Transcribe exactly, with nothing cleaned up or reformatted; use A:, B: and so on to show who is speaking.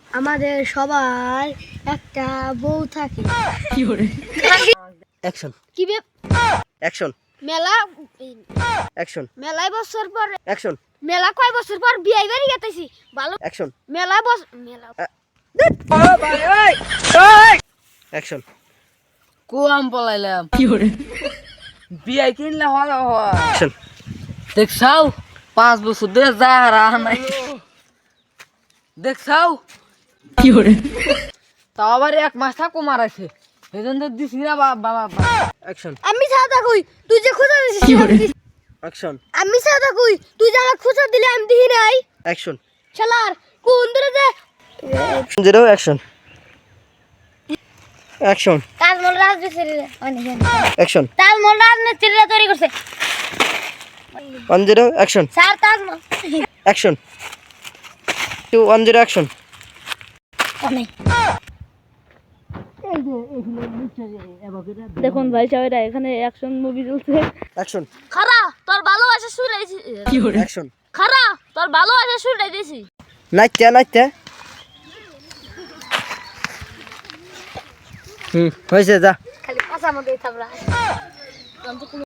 A: আমাদের সবার একটা বউ থাকে।
B: কি করে অ্যাকশন
A: কি বে
B: অ্যাকশন
A: মেলা
B: অ্যাকশন
A: মেলাই বছর পর
B: অ্যাকশন
A: মেলা কয় বছর পর বিয়ে বাড়ি গেতেছি ভালো
B: অ্যাকশন
A: মেলা বছর মেলা
B: অ্যাকশন
C: কুয়াম পলাইলাম
B: কি করে
C: বিয়াই কিনলে হয় হয়
B: অ্যাকশন
C: দেখছাও পাঁচ বছর ধরে যা রাহ নাই দেখছাও
B: কি করে
C: তাও আবার এক মাস থাকো মারাইছে এই জন্য দিছি না বাবা
B: অ্যাকশন
A: আমি সাদা কই তুই যে খোঁজা দিছিস
B: কি
A: আমি
B: করে?
A: দিছি।
B: অ্যাকশন
A: আমি সাদা কই তুই যে আমার খোঁজা দিলে আমি দিই নাই
B: অ্যাকশন
A: শালার কোন ধরে যে
B: জিরো অ্যাকশন অ্যাকশন
A: তাজমহল রাজনীতিরা অনেক
B: অ্যাকশন
A: তাজমহল রাজনীতিরা তৈরি করছে
B: one zero action
A: sir Taj Mahal
B: action two one zero action
A: অনেক দেখুন ভাই সাহেবরা এখানে অ্যাকশন মুভি চলছে
B: অ্যাকশন
A: খারা তোর ভালোবাসা শুরু হয়েছে
B: কি করে অ্যাকশন
A: খারা তোর ভালোবাসা শুরু হয়েছে
B: নাইতে নাইতে হুম হয়েছে যা
A: খালি পাশা মধ্যে থাকলা